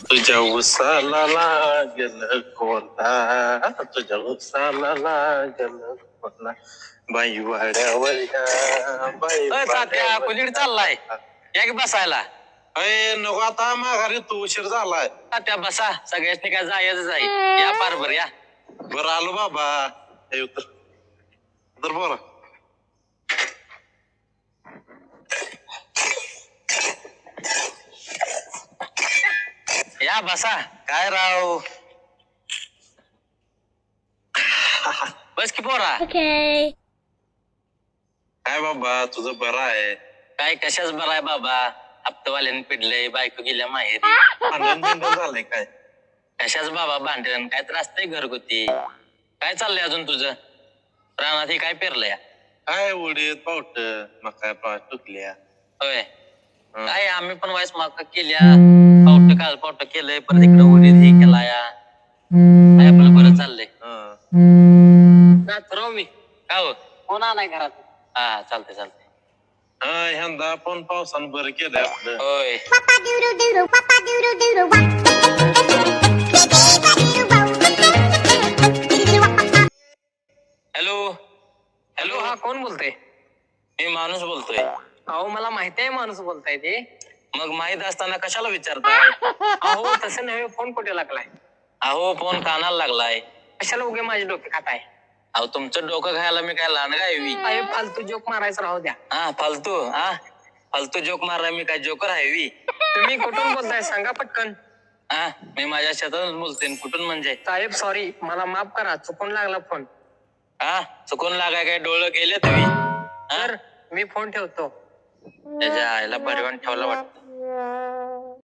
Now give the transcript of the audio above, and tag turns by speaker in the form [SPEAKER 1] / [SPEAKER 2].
[SPEAKER 1] तुझ्या उसाला लागल कोणता तुझ्या उसाला लागल कोणता बाई वाड्यावर बाई
[SPEAKER 2] तात्या कुठे चाललाय या की बसायला.
[SPEAKER 1] अय नको आता माघारी तू उशीर झालाय.
[SPEAKER 2] तात्या बसा सगळ्याच काय जायचं आहे या पार या.
[SPEAKER 1] बरं आलो बाबा. हे उतर बोला.
[SPEAKER 2] या बसा काय राव. बस की पोरा.
[SPEAKER 3] Okay.
[SPEAKER 1] काय बाबा तुझं बरं आहे.
[SPEAKER 2] काय कशाच बरं आहे बाबा. हप्तवाल्याने पिडलंय बायको गेल्या माहेरी.
[SPEAKER 1] भांडण झालंय काय.
[SPEAKER 2] कशाच बाबा भांडण काय त्रास नाही घरगुती. काय चाललंय अजून तुझं रानात हे काय पेरलंय.
[SPEAKER 1] काय उडीत पावट मका पावट टुकल्या.
[SPEAKER 2] होय काय आम्ही पण वाईस मका केल्या पावट काल पावट केलंय परत इकडे उडीद हे केला या. काय आपलं बरं चाललंय. राव मी का हो कोण आलाय घरात. हा चालतंय चालतंय.
[SPEAKER 1] ह्यांदा पण पावसानं बरं केलंय आपलं.
[SPEAKER 2] होय हॅलो हॅलो हा कोण बोलतोय. मी माणूस बोलतोय. अहो मला माहिती आहे माणूस बोलताय ते. मग माहित असताना कशाला विचारताय. अहो तसं नव्हे फोन कुठे लागलाय. अहो फोन कानाला लागलाय. कशाला उगे माझे डोके खाताय. अहो तुमचं डोकं खायला मी काय लहान काय फालतू जोक मारायचं राहू द्या. फालतू जोक मारला मी काय जोकर आहे. तुम्ही कुठून बोलताय सांगा पटकन. मी माझ्या शेतातून बोलते. कुठून म्हणजे साहेब सॉरी मला माफ करा चुकून लागला फोन. चुकून लागाय काय डोळं गेले तुम्ही. सर मी फोन ठेवतो. त्याच्या आईला परिवहन ठेवला वाटतं.